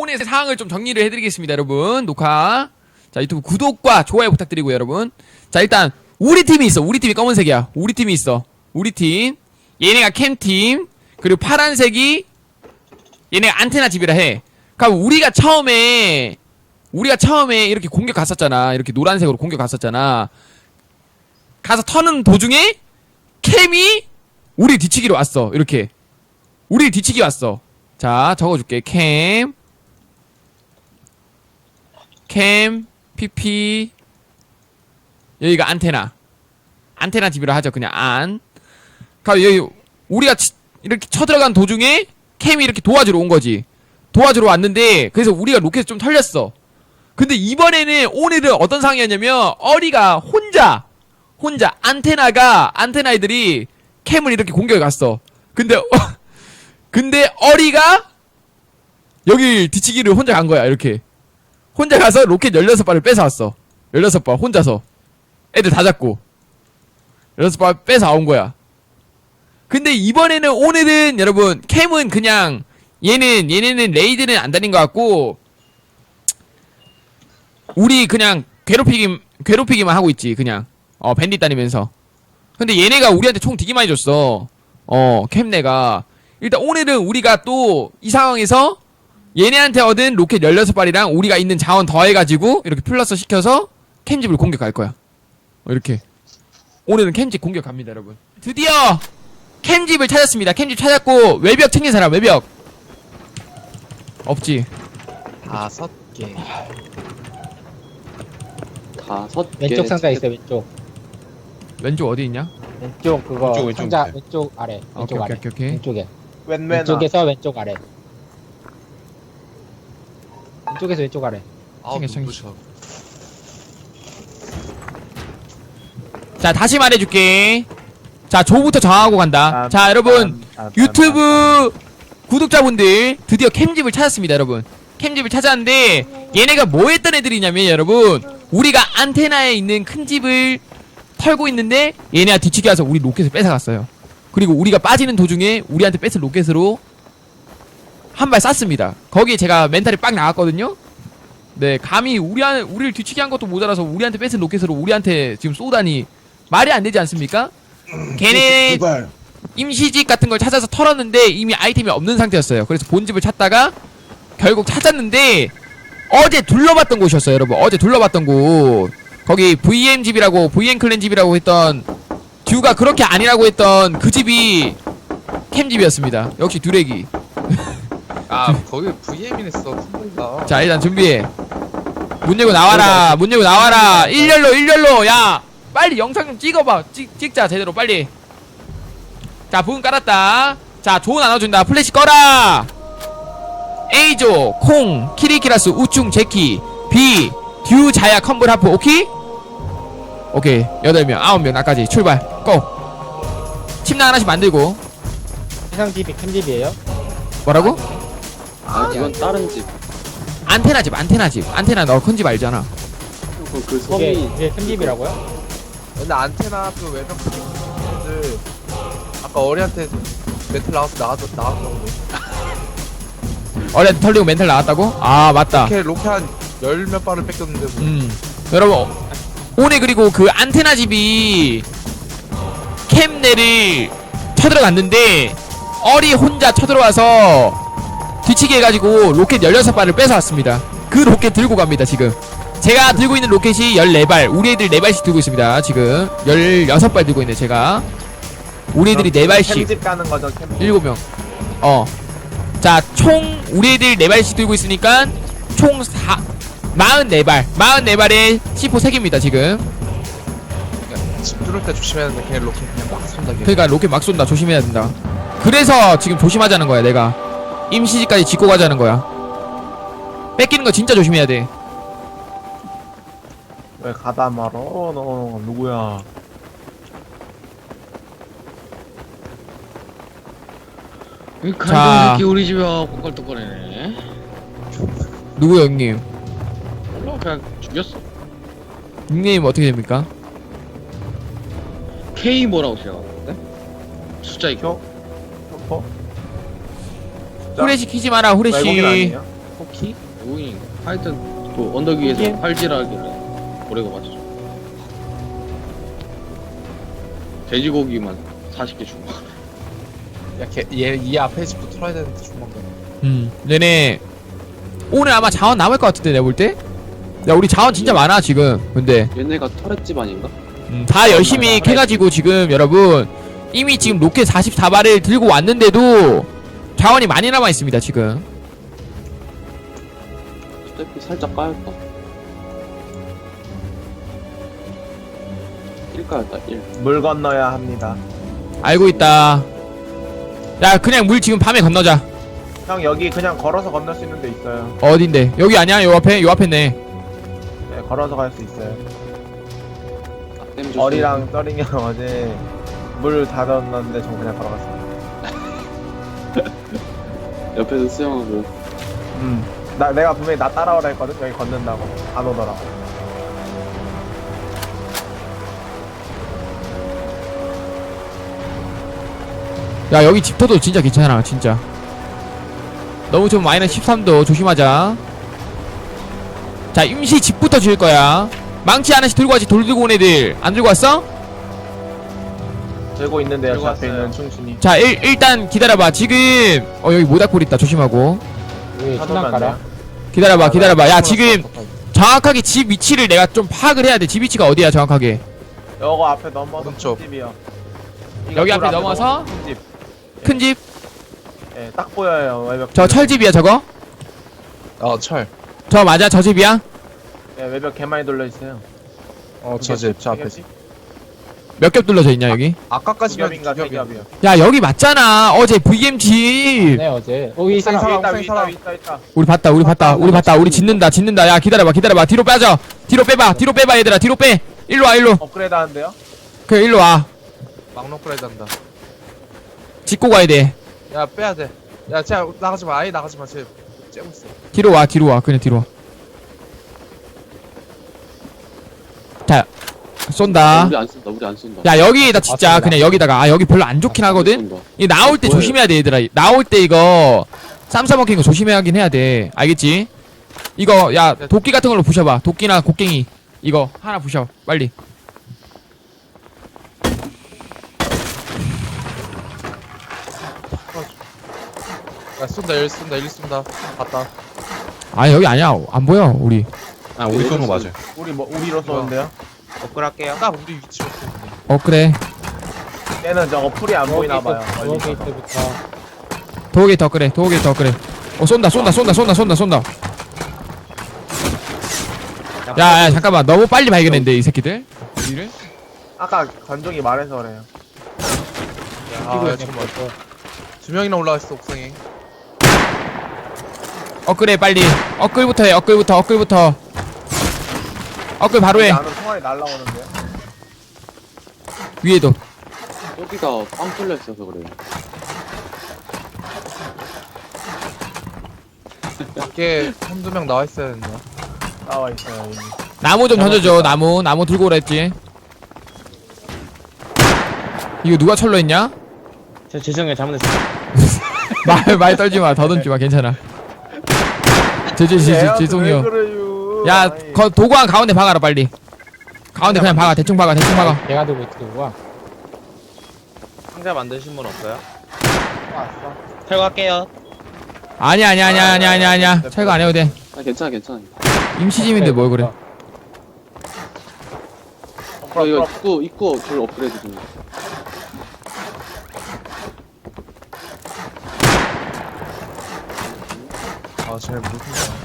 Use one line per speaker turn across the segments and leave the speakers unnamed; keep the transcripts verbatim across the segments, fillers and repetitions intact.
오늘 상황을 좀 정리를 해드리겠습니다, 여러분. 녹화. 자, 유튜브 구독과 좋아요 부탁드리고요, 여러분. 자, 일단 우리 팀이 있어. 우리 팀이 검은색이야. 우리 팀이 있어. 우리 팀. 얘네가 캠팀. 그리고 파란색이 얘네가 안테나 집이라 해. 그럼 우리가 처음에 우리가 처음에 이렇게 공격 갔었잖아. 이렇게 노란색으로 공격 갔었잖아. 가서 터는 도중에 캠이 우리 뒤치기로 왔어. 이렇게 우리 뒤치기 왔어. 자, 적어줄게. 캠 캠 피피 여기가 안테나 안테나 집이라 하죠. 그냥 안. 그럼 여기 우리가 치, 이렇게 쳐들어간 도중에 캠이 이렇게 도와주러 온 거지. 도와주러 왔는데 그래서 우리가 로켓을 좀 털렸어. 근데 이번에는 오늘은 어떤 상황이었냐면 어리가 혼자 혼자 안테나가 안테나 애들이 캠을 이렇게 공격해 갔어. 근데 어, 근데 어리가 여기 뒤치기를 혼자 간 거야. 이렇게 혼자 가서 로켓 열여섯 발을 뺏어왔어. 열여섯 발 혼자서 애들 다 잡고 열여섯 발 뺏어온 거야. 근데 이번에는 오늘은 여러분 캠은 그냥 얘는 얘네는 레이드는 안 다닌 것 같고 우리 그냥 괴롭히기 괴롭히기만 하고 있지. 그냥 어 밴딧 다니면서. 근데 얘네가 우리한테 총 되게 많이 줬어. 어 캠내가. 일단 오늘은 우리가 또 이 상황에서 얘네한테 얻은 로켓 열여섯 발이랑 우리가 있는 자원 더해가지고 이렇게 플러스 시켜서 캠집을 공격할 거야. 어, 이렇게 오늘은 캠집 공격합니다, 여러분. 드디어 캠집을 찾았습니다. 캠집 찾았고 외벽 챙긴 사람. 외벽 없지.
다섯 개.
다섯 개.
왼쪽 상자 있어. 왼쪽
왼쪽 어디 있냐?
왼쪽 그거
왼쪽, 왼쪽
상자
밑에.
왼쪽 아래
아,
왼쪽
오케이,
아래
오케이, 오케이.
왼쪽에
웬웬아.
왼쪽에서 왼쪽 아래 왼쪽에서 왼쪽 아래.
아우
챙겨, 챙겨.
눈부셔.
자, 다시 말해줄게. 자, 조부터 정하고 간다.
아,
자, 여러분
아, 아,
유튜브 구독자분들 드디어 캠집을 찾았습니다, 여러분. 캠집을 찾았는데 얘네가 뭐 했던 애들이냐면 여러분 우리가 안테나에 있는 큰 집을 털고 있는데 얘네가 뒤치기 와서 우리 로켓을 뺏어갔어요. 그리고 우리가 빠지는 도중에 우리한테 뺏은 로켓으로 한 발 쐈습니다. 거기에 제가 멘탈이 빡 나갔거든요. 네, 감히 우리 한, 우리를 뒤치기 한 것도 모자라서 우리한테 뺏은 로켓으로 우리한테 지금 쏘다니 말이 안 되지 않습니까? 걔네 임시집 같은 걸 찾아서 털었는데 이미 아이템이 없는 상태였어요. 그래서 본집을 찾다가 결국 찾았는데 어제 둘러봤던 곳이었어요, 여러분. 어제 둘러봤던 곳. 거기 브이엠 집이라고 브이엠 클랜 집이라고 했던 듀가 그렇게 아니라고 했던 그 집이 캠 집이었습니다. 역시 듀렉이.
아 거기 브이엠이네 써. 가
자, 일단 준비해. 문 열고 나와라. 문 열고 나와라. 일렬로 일렬로. 야, 빨리 영상 좀 찍어봐. 찍, 찍자 제대로 빨리. 자, 부분 깔았다. 자, 조 나눠준다. 플래시 꺼라. A조, 콩, 키리키라스, 우충, 제키, B, 듀, 자야, 컴블, 하프. 오케이? 오케이. 여덟 명, 아홉 명 나까지 출발. 고. 침낭 하나씩 만들고.
해상집이 캠집이에요?
뭐라고?
아, 그건 다른 집.
안테나 집, 안테나 집. 안테나 너 큰 집 알잖아.
그, 그
그게
섬이
그게 캠집이라고요?
근데 안테나 그 외벽 분들 아까 어리한테 멘탈 나와서 나가서 나왔던데.
어제 털리고 멘탈 나왔다고? 아, 맞다.
이렇게 로켓 한 열 몇 발을 뺏겼는데 뭐.
음, 여러분 오늘 그리고 그 안테나 집이 캠내를 쳐들어갔는데 어리 혼자 쳐들어와서 뒤치기 해가지고 로켓 열여섯 발을 뺏어왔습니다. 그 로켓 들고 갑니다. 지금 제가 들고 있는 로켓이 열네 발, 우리 애들 네 발씩 들고 있습니다. 지금 열여섯 발 들고 있네. 제가 우리 애들이 네 발씩
캠집 가는 거죠, 캠집.
일곱 명. 어. 자, 총 우리 애들 네 발씩 들고 있으니까 총 사, 사십사 발. 사십사 발에 씨포 세 개입니다, 지금.
그러니까 집 뚫을 때 조심해야 되는데 걔 로켓 그냥 막 쏜다. 걔.
그러니까 로켓 막 쏜다. 조심해야 된다. 그래서 지금 조심하자는 거야, 내가. 임시지까지 짓고 가자는 거야. 뺏기는 거 진짜 조심해야 돼.
왜 가다 말어? 너 누구야?
이
자.
간동 새끼 우리 집에 와갖고 껄떡거리네.
누구요, 형님?
몰라 그냥 죽였어.
닉네임 어떻게 됩니까?
K 뭐라고 시작하는데? 숫자 있고.
혀? 셔퍼?
후레쉬 키지 마라,
외국인
후레쉬.
아니에요?
터키? 외국인인가? 하여튼 그 언덕 위에서
터키?
활질하길래 고래가 맞죠. 돼지고기만 사십 개 준 거.
야걔얘이 앞에 집도 털어야 되는데 조만간.
음 얘네 오늘 아마 자원 남을 것 같은데 내가 볼때 야 우리 자원 진짜 많아 지금 근데
얘네가 터렛집 아닌가?
음, 다 열심히 캐가지고 지금 여러분 이미 지금 로켓 사십사 발을 들고 왔는데도 자원이 많이 남아있습니다 지금.
스태프 살짝 까였다. 일 까였다 일.
물 건너야 합니다.
알고 있다. 야 그냥 물 지금 밤에 건너자.
형 여기 그냥 걸어서 건널 수 있는 데 있어요.
어딘데? 여기 아니야? 요 앞에? 요 앞에네.
네, 걸어서 갈 수 있어요.
댐 조심.
어리랑 떠링이 형 어제 물 다 넣었는데 저 그냥 걸어갔어요.
옆에서 수영하고.
음. 나 내가 분명히 나 따라오라 했거든. 여기 걷는다고 안 오더라.
야 여기 집터도 진짜 괜찮아 진짜. 너무 좀 마이너스 십삼 도 조심하자. 자 임시 집부터 지을 거야. 망치 하나씩 들고 왔지. 돌 들고 온 애들 안 들고 왔어?
들고 있는데요. 저
들고
앞에
왔어요.
있는 충신이.
자 일, 일단 기다려봐. 지금 어 여기 모닥불 있다. 조심하고.
여기
한
천장
번만
깔아.
안
기다려봐 기다려봐. 야 지금 정확하게 집 위치를 내가 좀 파악을 해야 돼. 집 위치가 어디야 정확하게.
요거 앞에 넘어서
오른쪽.
큰 집이요.
여기
이거
앞에
돌
넘어서?
큰 집.
큰 집?
예, 딱 보여요. 외벽.
저 철집이야 저거?
어철
저 맞아 저 집이야?
예, 외벽 개 많이 돌려 있어요.
어저 집 저 앞에 집.
몇 겹 둘러져 있냐 여기?
아까까지면
겹인가
두
세
겹이야.
겹이요.
야 여기 맞잖아 어제 브이엠 집.
네 어제. 어, 위
위
사람.
있다,
사람,
위 있다,
사람.
위 있다, 위 있다.
우리 봤다 우리 봤다 우리 봤다 우리 짓는다 짓는다. 야 기다려봐 기다려봐. 뒤로 빠져. 뒤로 빼봐 뒤로 빼봐 얘들아 뒤로 빼. 일로 와 일로.
업그레이드 하는데요?
그래 일로 와.
막노크라이드 한다.
짓고 가야 돼.
야 빼야 돼. 야 쟤 나가지 마. 아예 나가지 마. 쟤 째고 있어.
뒤로 와 뒤로 와 그냥 뒤로 와. 자 쏜다.
우리 안 쏜다. 우리 안 쏜다.
야 여기다 진짜
맞습니다.
그냥 여기다가 아 여기 별로 안 좋긴 하거든.
쏜다.
이 나올 때
뭐예요?
조심해야 돼 얘들아. 나올 때 이거 쌈 싸먹힌 거 조심하긴 해야 돼. 알겠지? 이거 야 도끼 같은 걸로 부셔봐. 도끼나 곡괭이 이거 하나 부셔 빨리.
야 쏜다 일 쏜다 일 쏜다. 봤다.
아 여기 아니야 안 보여 우리.
아 우리 쏘는 거 맞아요.
우리 뭐 우리로 쏘는데요? 업그레이드할게요.
딱 우리 위치로 쏘는데.
어 그래
얘는 저거 풀이 안 보이나 봐요.
도어
멀리 있어서.
게이트부터.
도우게 더 그래 도우게 더 그래. 어 쏜다 쏜다 쏜다 쏜다 쏜다 쏜다. 야야 잠깐만 너무 빨리 발견했는데 이 새끼들. 우리를?
아까 관종이 말해서 그래요.
아 야, 잠깐만. 두 명이나 올라와 있어 옥상에.
엇글해 빨리. 엇글부터 해 엇글부터 엇글부터. 엇글 바로 해.
나는 총알이 날라오는데요.
위에도.
여기가 빵 뚫려 있어서 그래요.
밖에 한두 명 나와 있어야 된다.
나와 있어요. 이미.
나무 좀 던져줘. 나무 나무 들고 오라 했지. 이거 누가 철로 했냐?
저 죄송해요 잘못했어요.
말 말 떨지 마. 더 던지 마. 괜찮아. 제제제
얘한테 왜
죄송해요.
그래요?
야,
아이,
거 도구한 가운데 박아라 빨리. 가운데 그냥 박아. 대충 박아. 대충 박아.
내가 들고 있지 누구야?
상자 만드신 분 없어요?
왔어.
탈거할게요.
아니야 아니야 아니야 아니야 아니야 아니야. 철거 안 해도 돼.
아 괜찮아 괜찮아.
임시짐인데 뭘 그래.
어, 이거 입구 입구 돌 업그레이드 좀.
아쟤 무슨.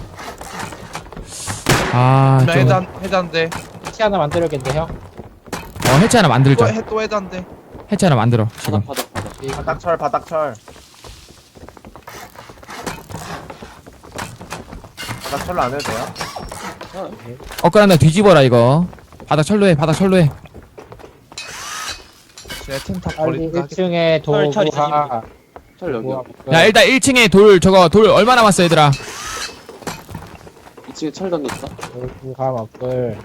아,
나
좀.
해단 해단대.
치 하나 만들었겠는데 형?
어, 해체 하나 만들자.
또해또 해단대.
해체 하나 만들어. 지금.
바닥 바닥 바닥.
바닥철 바닥철. 바닥철로 안 해도 돼요?
엇글 하나 뒤집어라 이거. 바닥 철로 해. 바닥 철로 해.
쟤템다
빨리
버리니까 하겠다.
일 층에
철, 철
도구가.
철 여기.
야, 일단 일 층에 돌 저거 돌 얼마 남았어, 얘들아?
이 층에 철 던졌다.
도구가 먹을.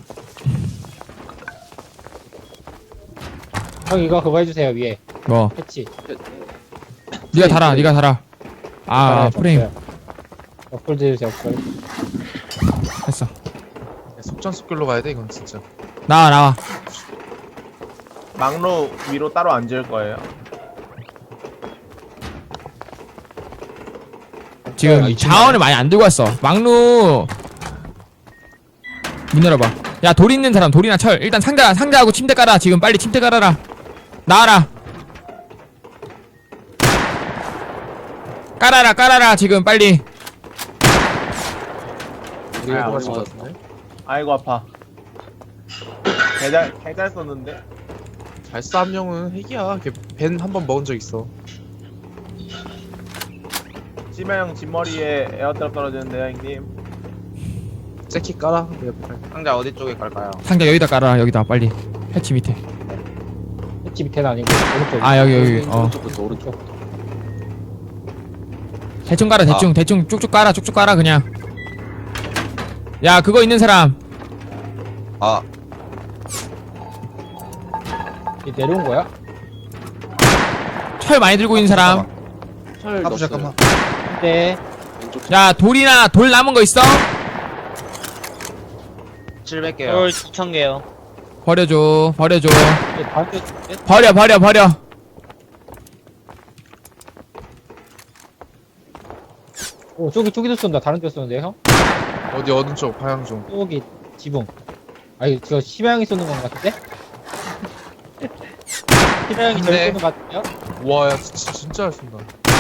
형 이거 그거 해주세요 위에
뭐.
패치.
네가 달아. 네가 달아. 아,
달아요,
프레임.
줬어요. 업글 드세요, 업글.
됐어.
속전속결로 가야 돼 이건 진짜.
나와 나와.
막로 위로 따로 안 지을 거예요.
지금
아,
자원을 많이 안 들고 왔어. 막루 문 열어봐. 야 돌 있는 사람 돌이나 철. 일단 상자 상자하고 침대 깔아. 지금 빨리 침대 깔아라. 나와라. 깔아라 깔아라 지금 빨리.
우리가
아,
도와줄
맞아.
것 같은데.
아이고 아파. 개잘 개잘 썼는데.
발사 함령은 핵이야. 벤 한 번 먹은 적 있어.
심해형 뒷머리에 에어드랍 떨어지는데요, 형님.
재킷 깔아. 내가 깔.
상자 어디 쪽에 깔까요?
상자 여기다 깔아. 여기다 빨리. 패치 밑에.
햇지 밑에는 아니고, 오른쪽.
아 여기 여기. 어.
오른쪽부터 오른쪽.
대충 깔아 대충 대충 쭉쭉 깔아 쭉쭉 깔아 그냥. 야 그거 있는 사람.
아,
이 내려온 거야?
철 많이 들고 있는 사람.
철
까부
넣었어요.
잠깐만.
네.
왼쪽
야 돌이나 돌 남은 거 있어?
칠백 개요.
헐 이천 개요.
버려줘 버려줘.
이제 다음 주, 네?
버려 버려 버려.
오, 저기, 저기도 쏜다. 다른 데 쏘는데, 형?
어디 어느 쪽 방향 좀.
저기, 지붕. 아니, 저 심해형이 쏘는 건 같은데? 심해형이 저기
네.
쏘는 것 같은데요?
와, 야 진짜 진짜 잘 쏜다.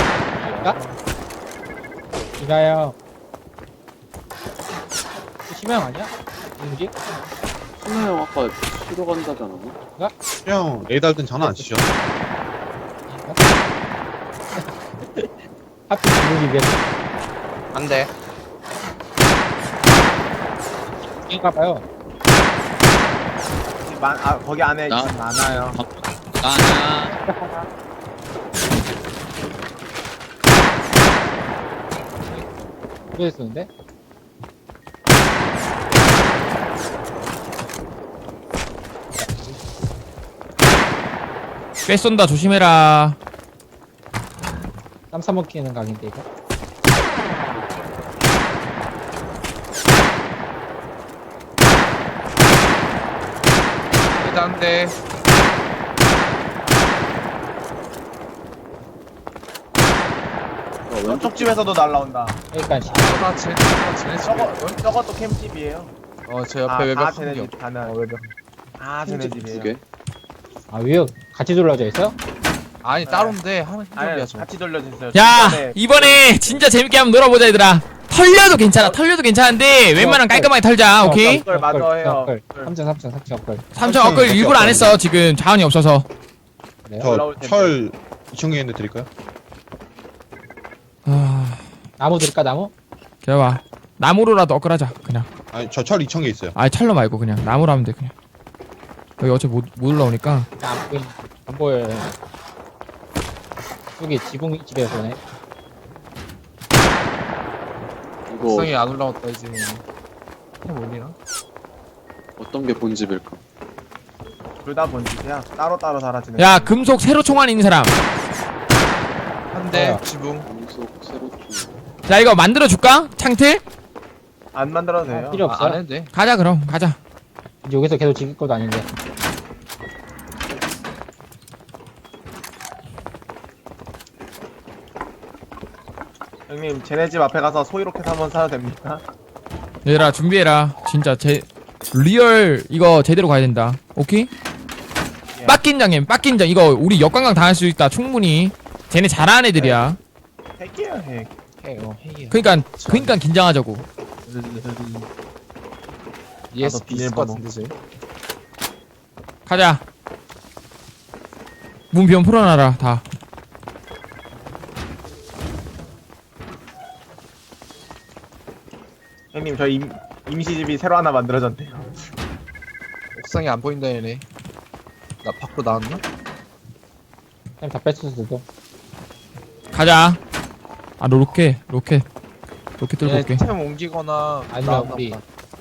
이나요. 심해형 아니야? 누구지?
승하 형 아까 쉬러 간다지 않았나?
형, 레이달든 전화 안 치죠?
하필 지붕이 왜
안 돼.
인가봐요.
많, 아 거기 안에
나-
지금 많아요.
나나
왜 쏘는데?
꽤 쏜다 조심해라.
땀 싸먹히는 각인데, 이거?
일단 돼.
어, 왼쪽
저쪽 집에서도 날라온다.
그러니까, 씨.
나 쟤, 나 쟤네
저거
집이야.
저것도 캠집이에요.
어, 제 옆에
아,
외벽
아
한
쟤네
개.
집 가는.
어, 외벽.
아 쟤네
두
집이에요.
개.
아, 위에 같이 둘러져 있어?
아니 따로인데 하는
아니
힘이야 저.
같이 돌려주세요.
야
중간에
이번에 진짜 재밌게 한번 놀아보자 얘들아. 털려도 괜찮아 털려도 괜찮은데 웬만하면 깔끔하게 털자. 오케이.
업글 맞아 해요.
삼천, 삼천, 삼천 업글.
삼천 억글 일부러 안 했어 지금 자원이 없어서.
그래요?
올라올 텐데.
철 이천 개 있는데 드릴까요?
아
나무 들까, 나무?
기다려봐. 나무로라도 업글하자 그냥.
아니, 저 철 이천 개 있어요.
아 철로 말고 그냥 나무로 하면 돼 그냥. 여기 어차피 못, 못 올라오니까.
안 보이, 안 보여요. 여기 지붕 집에서 오네.
이거
옥상에 안 올라왔다 이제. 형 올리나?
어떤 게 본집일까?
둘다 본집이야. 따로 따로 살아지는.
야 금속 세로 총알 있는 사람.
한 대
뭐야?
지붕.
암속 세로 쪽.
자 이거 만들어 줄까? 창틀?
안 만들어도 돼요.
아, 필요 없어.
아, 안 해도 돼.
가자 그럼 가자.
이제 여기서 계속 지킬 것도 아닌데.
형님 쟤네 집 앞에 가서 소이로켓 한번 사도 됩니까?
얘들아 준비해라. 진짜 제 리얼 이거 제대로 가야 된다. 오케이?
예.
빡긴장님 빡긴장 이거 우리 역관광 당할 수 있다 충분히. 쟤네 잘하는 애들이야.
핵이에요 핵.
핵, 어, 핵이야.
그니까 그니까 긴장하자고.
예스
나도
비슷
비밀번호.
같은데 쟤.
가자. 문 비면 풀어놔라 다.
형님 저 임, 임시집이 새로 하나 만들어졌대요.
옥상에 안 보인다 얘네. 나 밖으로 나왔나?
그냥 다 뺐을 수도.
가자. 아 너 로켓 로켓 로켓 들고
얘네
올게.
템 옮기거나
아니야,
나왔나
우리.
보다.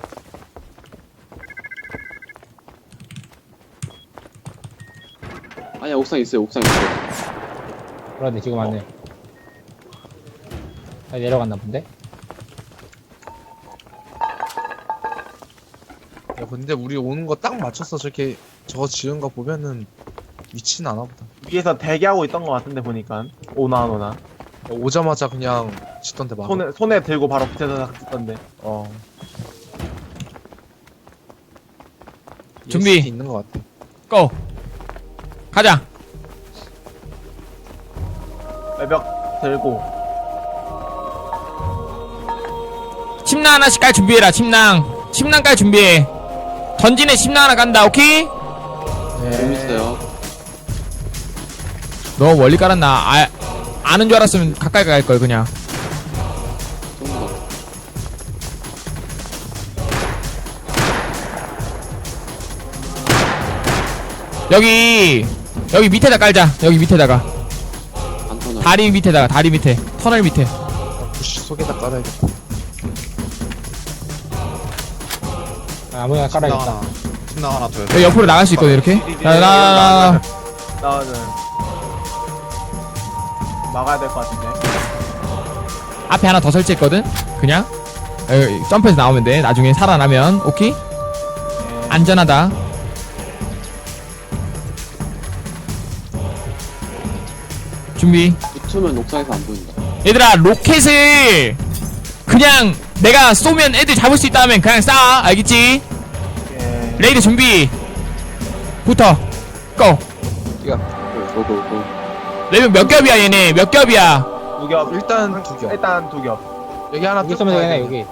아니야 옥상 있어요. 옥상 있어요.
그런데 지금 왔네. 다 내려갔나 본데?
야 근데 우리 오는 거 딱 맞춰서 저렇게 저거 지은 거 보면은 미친 않아 보다.
위에서 대기하고 있던 것 같은데 보니까 오나 안 오나.
오자마자 그냥 짓던데 막.
손에 손에 들고 바로 붙여서 찍던데.
어.
준비.
있는 것 같아.
고! 가자!
외벽 들고.
침낭 하나씩 깔 준비해라, 침낭. 침낭 깔 준비해. 던지네 침낭 하나 간다, 오케이?
재밌어요.
너무 멀리 깔았나? 아, 아는 줄 알았으면 가까이 갈걸, 그냥.
좀 더.
여기, 여기 밑에다 깔자. 여기 밑에다가.
안 터널.
다리 밑에다가, 다리 밑에. 터널 밑에.
부시 속에다 깔아야겠다.
아, 아무나
침낭
깔아야겠다.
하나. 침낭 하나 더.
여기 옆으로 나갈 수 있거든, 이렇게. 자, 나,
나는 나는 막아야 될 것 같은데.
앞에 하나 더 설치했거든? 그냥. 여기 점프해서 나오면 돼. 나중에 살아나면. 오케이?
네.
안전하다. 준비.
붙으면 옥상에서 안 보인다.
얘들아, 로켓을 그냥 내가 쏘면 애들 잡을 수 있다 하면 그냥 쏴. 알겠지?
예.
레이드 준비. 붙어. 고.
고, 고, 고.
레이드 몇 겹이야, 얘네? 몇 겹이야?
두 겹.
일단 두 겹.
일단 두 겹.
여기 하나
여기
뜯고
있으면
가야
되네,
돼.
여기.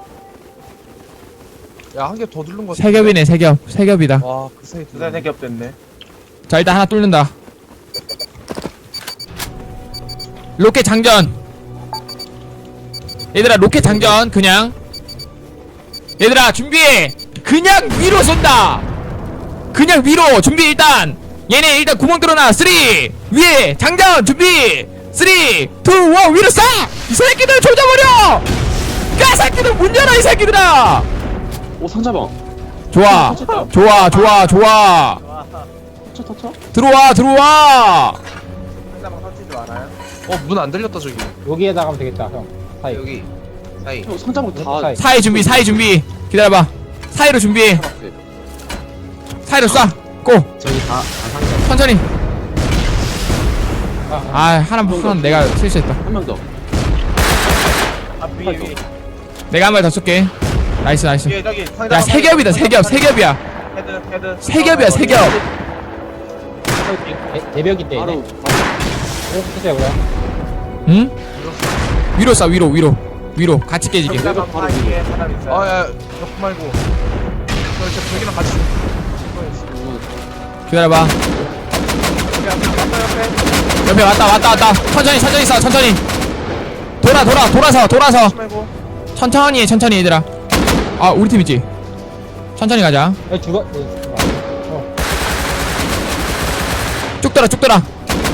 야한 겹 더 누른 거.
세 겹이네, 세 겹. 세 겹이다.
와그 사이 두
두세 겹 됐네.
자, 일단 하나 뚫는다. 로켓 장전. 얘들아, 로켓 장전. 그냥. 얘들아, 준비해. 그냥 위로 쏜다. 그냥 위로. 준비 일단. 얘네 일단 구멍 뚫어놔. 쓰리. 위에 장전. 준비. 쓰리, 투, 원. 위로 쏴. 이 새끼들 조져버려. 야, 새끼들 문 열어, 이 새끼들아.
오, 상자방.
좋아. 좋아, 좋아, 좋아.
터쳐, 터쳐?
들어와, 들어와.
상자방 설치지 않아요?
어문 안 들렸다 저기.
여기에다 가면 되겠다, 형. 사이.
여기 사이.
형, 상자방 다.
사이.
사이 준비, 사이 준비. 기다려봐. 사이로 준비해.
앞에.
사이로 쏴. 고.
저기 다, 다 상자.
천천히.
아, 아.
아, 하나, 하나 내가 실수했다.
한 명 더.
아 위에 위에.
내가 한 발 더 쏠게. 나이스, 나이스.
위에 저기 상자방.
야, 세 겹이다, 세 겹, 세 겹이야.
헤드 헤드.
세 겹이야, 세 겹.
대- 대벽 있대,
바로,
얘네.
바로.
해주세요, 그럼.
응? 위로 쏴, 위로, 위로. 위로. 같이 깨지게.
상자방
바로
사이에 사람 있어요.
아야 옆 말고. 저 진짜 벽이랑 같이.
기다려봐.
옆에 왔어, 옆에.
옆에 왔다, 왔다, 왔다. 천천히, 천천히 쏴, 천천히. 돌아, 돌아, 돌아서, 돌아서.
말고.
천천히 해, 천천히, 얘들아. 아, 우리 팀 있지? 천천히 가자.
야, 죽어. 어.
쭉 돌아, 쭉 돌아.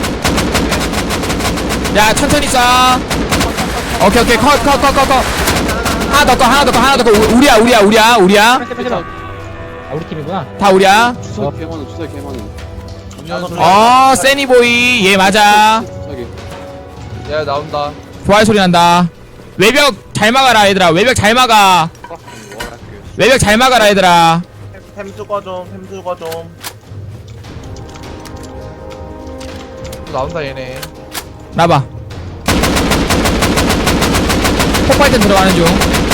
야, 천천히 쏴. 오케이, 오케이. 컷, 컷, 컷, 컷, 컷. 하나 더, 컷, 하나 더, 컷, 하나 더, 컷. 우- 우리야, 우리야, 우리야, 우리야.
빼지 마, 빼지 마. 아, 우리 팀이구나.
다 우리야.
주사기 개많은, 주사기 개많은.
어, 세니보이. 얘 맞아.
주사기.
야 나온다.
좋아요 소리 난다. 외벽 잘 막아라, 얘들아. 외벽 잘 막아. 외벽 잘 막아라, 얘들아.
템 주거 좀, 템 주거 좀.
또 나온다 얘네.
나봐. 폭발전 들어가는 중.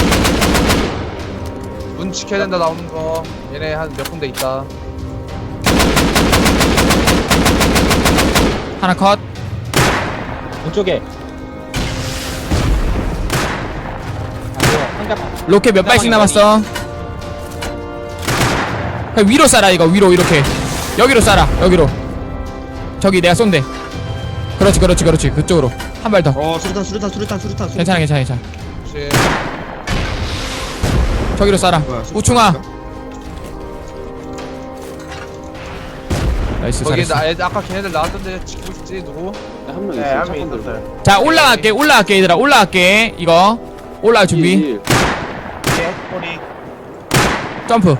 문 지켜야 된다 나오는 거. 얘네 한 몇 군데 있다.
하나 컷.
왼쪽에. 아, 이거 상자방.
로켓 몇 발씩 남았어. 그냥 위로 쏴라, 이거. 위로, 이렇게. 여기로 쏴라, 여기로. 저기 내가 쏜대. 그렇지, 그렇지, 그렇지. 그쪽으로. 한 발 더.
어, 수류탄, 수류탄, 수류탄, 수류탄. 수류탄.
괜찮아, 괜찮아, 괜찮아.
혹시
저기로 쏴라.
뭐야, 수류탄
우충아.
있어?
나이스,
거기
잘했어.
나 애들 아까 걔네들 나왔던데 지키고 있지 누구?
한 명
네,
있어.
한 명
차건 들고.
있었어요.
자, 올라갈게, 올라갈게, 얘들아. 올라갈게. 이거. 올라갈 준비.
일, 일.
위에 꼬리.
점프.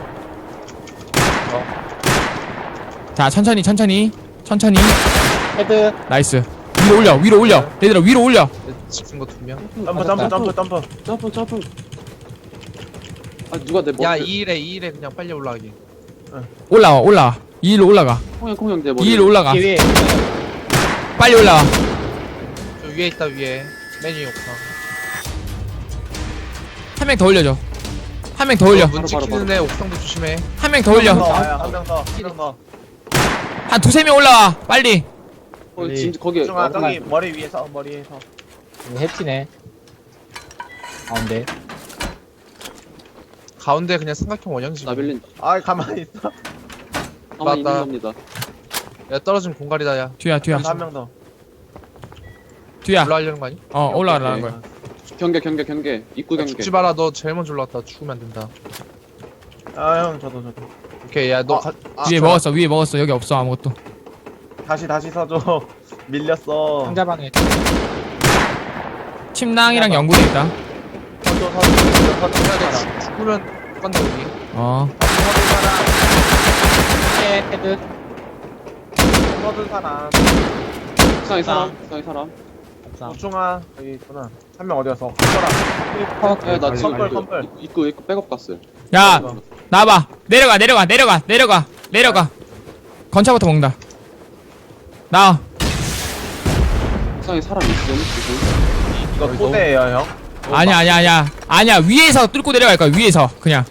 자, 천천히, 천천히. 천천히.
헤드.
나이스. 위로 올려, 위로 올려. 얘들아, 위로 올려.
지킨 거 두 명.
점프, 점프, 점프, 점프.
점프, 점프. 아 누가 내 머리
야 이 일에 이 일에 그냥 빨리 올라가기.
올라와 올라와 이 일로 올라가
콩형 콩형 내 머리
이 일로 올라가
위에
빨리 올라와.
저 위에 있다 위에. 맨 위에 옥상.
한 명 더 올려줘. 한 명 더 올려.
문
바로, 바로,
지키는 애 옥상도 조심해.
한 명 더
더
올려.
와요. 한명 더. 한 명 더.
한 두세 명 올라와. 빨리.
어, 지금 거기
중아
어,
저기 머리 위에서 머리 위에서.
해치네. 가운데.
가운데 그냥 삼각형 원형식.
나빌린
아 가만히 있어.
가만히 있는
맞다.
겁니다.
야 떨어지면 공갈이다 야.
뒤야 뒤야
한 명 더.
뒤야.
올라가려는 거 아니?
어 올라가라는 거야.
경계 경계 경계 입구
야,
경계.
죽지 마라. 너 제일 먼저 올라왔다. 죽으면 안 된다.
아형 저도 저도.
오케이 야너
아,
가.
아,
위에
저-
먹었어 위에 먹었어 여기 없어 아무것도.
다시 다시 서줘. 밀렸어.
상자방에.
침낭이랑 연구대 있다.
서줘 서줘 서줘 서줘
야, 너
사람.
죽- 죽으면 간다 우리.
어
헤드.
서준 사람.
옥상에 사람 옥상에 사람.
우중아 여기 있구나. 한 명 어디였어? 컴플.
야나 지금
컴플
그
컴플.
입구 입구 백업 갔어요.
야 나와봐. 내려가 내려가 내려가 내려가 내려가. 건차부터 먹는다. 나와.
옥상에 사람 있어.
이거 토대예요 형.
아니야 아니야 아니야 아니야 위에서 뚫고 내려갈 거야 위에서 그냥.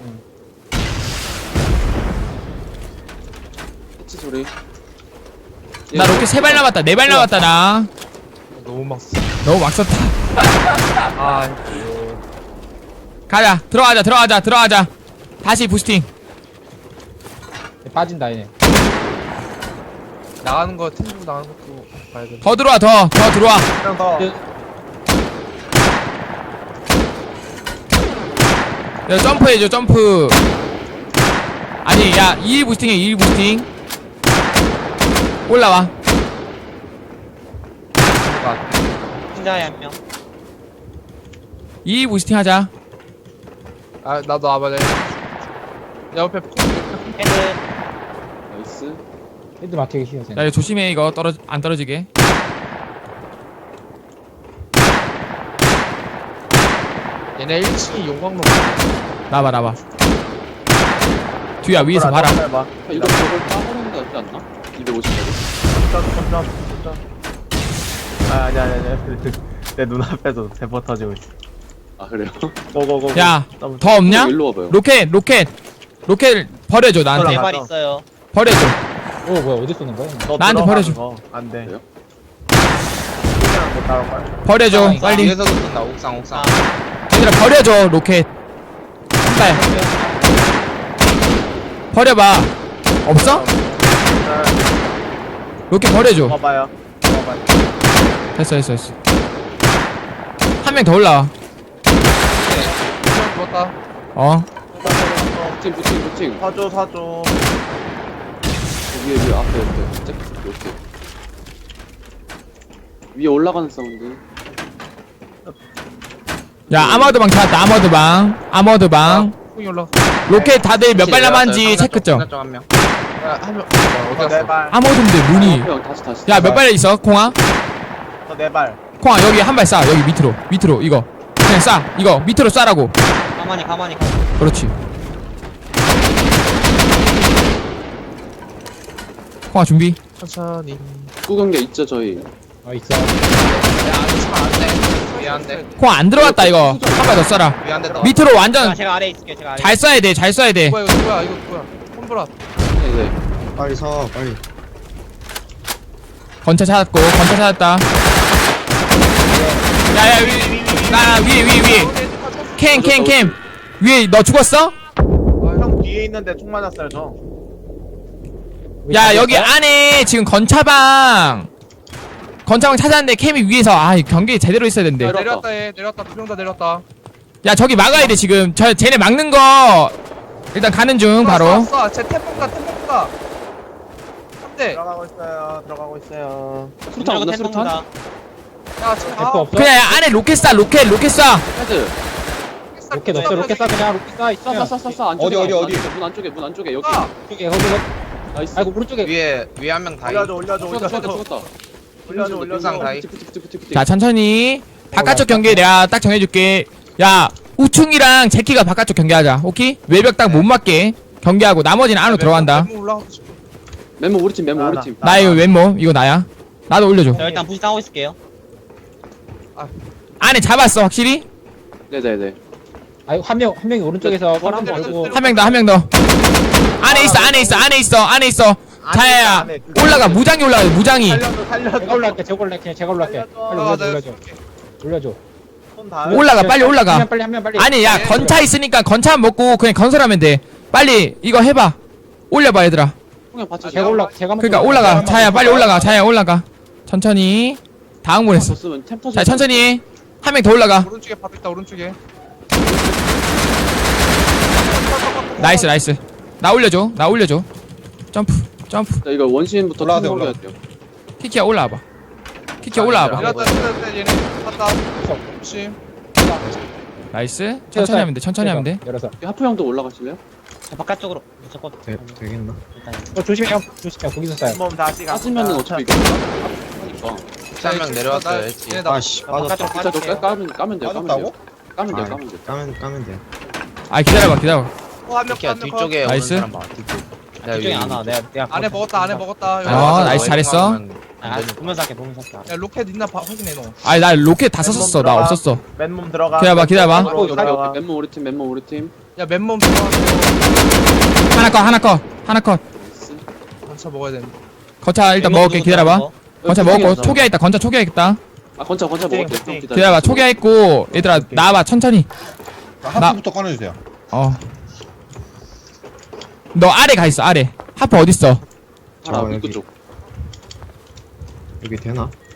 해치 소리.
나 로켓 세 발 남았다 네 발 남았다 나.
너무 막. 써.
너무 막 썼다.
아
가자 들어가자 들어가자 들어가자. 다시 부스팅.
빠진다 얘네.
나가는 거 텐트 나가는 것도 봐야 돼.
더 들어와 더 더 들어와.
한 명 더.
야 점프해줘 점프. 아니 야 이 일 부스팅해 이 일 부스팅. 올라와. 이 일 부스팅 하자.
아 나도 와봐. 내 옆에
나이스.
헤드 막히기 싫어서.
야 이거 조심해 이거 떨어 안 떨어지게.
얘네 일 층이 용광로.
나봐 나봐. 뒤야 위에서 봐라.
봐.
야, 이거 저걸 까버리는 게 낫지 않나? 이백오십 짜리.
점점 점점 점점. 아 아니 아니 아니. 내 눈앞에서 대포 터지고 있어.
아 그래요?
고고고.
야 더 없냐?
일로 와봐요.
로켓 로켓 로켓 버려줘 나한테.
올라가.
있어요.
버려줘.
오 뭐야 어디 쏘는 거야?
너
나한테
들어가는
버려줘.
거. 안 돼.
그래요?
그냥 못 따라올 거야.
버려줘 빨리.
위에서도 쏜다. 옥상 옥상.
얘들아 버려줘 로켓. 한발 버려봐. 없어? 로켓 버려줘.
먹어봐요. 먹어봐요.
됐어 됐어 됐어. 한 명 더 올라와.
한명 죽었다.
어
부팅 부팅 부팅.
사줘 사줘.
위에 위에 앞에 옆에 잭 이렇게. 위에 올라가는 사운드.
야 아머드방 찾았다 아머드방 아머드방.
콩이 올라.
로켓 다들 몇 발 남았는지 체크 좀.
한 명.
야한 명. 어디
네
갔어?
발.
아머드인데 문이.
형 다시 다시.
야 몇 발 있어 콩아?
네 발.
콩아 여기 한 발 쏴 여기 밑으로 밑으로 이거 그냥 쏴 이거 밑으로 쏴라고.
가만히 가만히.
그렇지. 콩아 준비.
천천히.
입구 경계 있죠 저희.
어 있어.
야 아직 치면 안 돼. 위에 안 돼.
콩아 안 들어갔다 이거 한 발 더 쏴라.
위에 안 돼.
밑으로 완전
제가 아래 있을게요. 제가 아래.
잘 쏴야 돼 잘 쏴야 돼.
누구야 이거 누구야 이거 누구야? 콤브라.
네네.
빨리 서 빨리.
건차 찾았고 건차 찾았다. 야야 위나 위에 위에 위에 캠 캠 캠 위에 너 죽었어?
형 뒤에 있는데 총 맞았어요 저.
야 여기 안에 지금 건차방 건차방 찾았는데 캠이 위에서 아 경계 제대로 있어야
야,
되는데.
내렸다 얘 내렸다 두 명 다 내렸다.
야 저기 막아야 돼 지금 저 쟤네 막는 거 일단 가는 중 바로.
쏴, 쏴. 쟤 템포가 템포가. 한 대.
들어가고 있어요. 들어가고 있어요.
수류탄 없나 수류탄?
야 지금
대포 없어?
그냥 안에 로켓 쏴 로켓 로켓 쏴.
헤드.
로켓 없어 로켓 쏴 그냥 로켓 쏴 있어.
쏴쏴쏴쏴 안쪽에.
어디, 어디, 어디?
문 안쪽에 문 안쪽에 여기.
쏴.
쪽에 거기 거.
나이스.
아이고 오른쪽에.
위에 위에 한 명 다이.
올려줘 올려줘
죽었다 죽었다
올려줘.
죽었다.
올려줘
옥상
올려줘.
다이.
부티 부티 부티 부티.
자 천천히 바깥쪽 경계 내가 딱 정해줄게. 야 우충이랑 제키가 바깥쪽 경계하자. 오케이? 외벽 딱 못 맞게 경계하고 나머지는 안으로 들어간다.
멤버 올라가고 싶어.
멤버 우리 팀 멤버
나,
우리
나.
팀.
나 이거 왼몸 이거 나야. 나도 올려줘.
저 일단 부시 하고 있을게요.
안에 잡았어 확실히?
네네네.
아니 한명 한 명이 오른쪽에서 펄 한번 걸고
한 명 더 한 명 더. 안에 있어 안에 있어 안에 있어 안에 있어. 자야야
안에 그-
올라가 무장이 올라가 무장이.
살려줘 살려줘.
제가 올라갈게 제가 올라갈게 그냥 제가 올라갈게 빨리 올려줘 올려줘 올려줘
손 다.
올라가 빨리 올라가.
한 명 빨리 한 명 빨리
아니 야 건차 있으니까 건차 먹고 그냥 건설하면 돼. 빨리 이거 해봐. 올려봐 얘들아.
형님 같이
제가 올라 제가 먹고
그러니까 올라가. 자야 빨리 올라가. 자야 올라가. 천천히. 다 흥분했어.
줬으면 템 터지.
자 천천히. 한 명 더 올라가.
오른쪽에 밥 있다 오른쪽에.
나이스 나이스. 나 올려줘. 나 올려줘. 점프 점프.
자 이거 원신부터
올라가야 돼,
템
올라가.
올려야 돼요.
키키야 올라와봐. 키키야 올라와봐.
내렸다 내렸다 얘네 갔다. 혹시
나이스. 천천히 하면 돼. 천천히 하면 돼.
열어서
하프 형도 올라가실래요?
바깥쪽으로 무조건.
되, 되겠나?
일단
어 조심해 형 조심해 거기서 쏴요
몸 다시 가.
빠지면은 어차피 이거 하니까.
한명 내려왔어요. 했지.
얘네 나
아씨 빠졌다.
바깥쪽
진짜 저
빠질게요.
까면 까면 돼요. 까면 돼요. 까면 돼요.
아,
까면 돼요.
까면 까면 돼.
아 기다려봐 기다려봐.
한명
이렇게 뒤쪽에 오는
나이스.
사람 봐. 뒤쪽. 뒤쪽에 안 와. 내가 내가
안에 먹었다 안에 먹었다. 여기
어,
와서
나이스,
너희
잘했어.
가면
아, 보면서 할게 보면서 할게.
야 로켓 있나 봐 확인해 너.
아니 나 로켓 다 썼었어. 나 없었어.
맨몸 들어가.
기다려봐, 기다려봐.
어, 오케이,
들어가.
오케이. 맨몸 우리 팀 맨몸 우리 팀.
야 맨몸 들어가서
하나 컷 하나 컷 하나 컷.
건차 먹어야 되는데.
건차 일단 먹을게. 기다려봐. 건차 먹었고 초기화 있다. 건차 초기화 있다.
아 건차 건차 먹을게요.
땡,
형
땡.
기다려.
기다려봐. 초기화 있고 얘들아 나와봐 천천히.
하프부터 꺼내주세요.
어. 너 아래 가 있어 아래. 하프 어딨어?
하나
어,
입구
여기.
쪽.
여기 되나?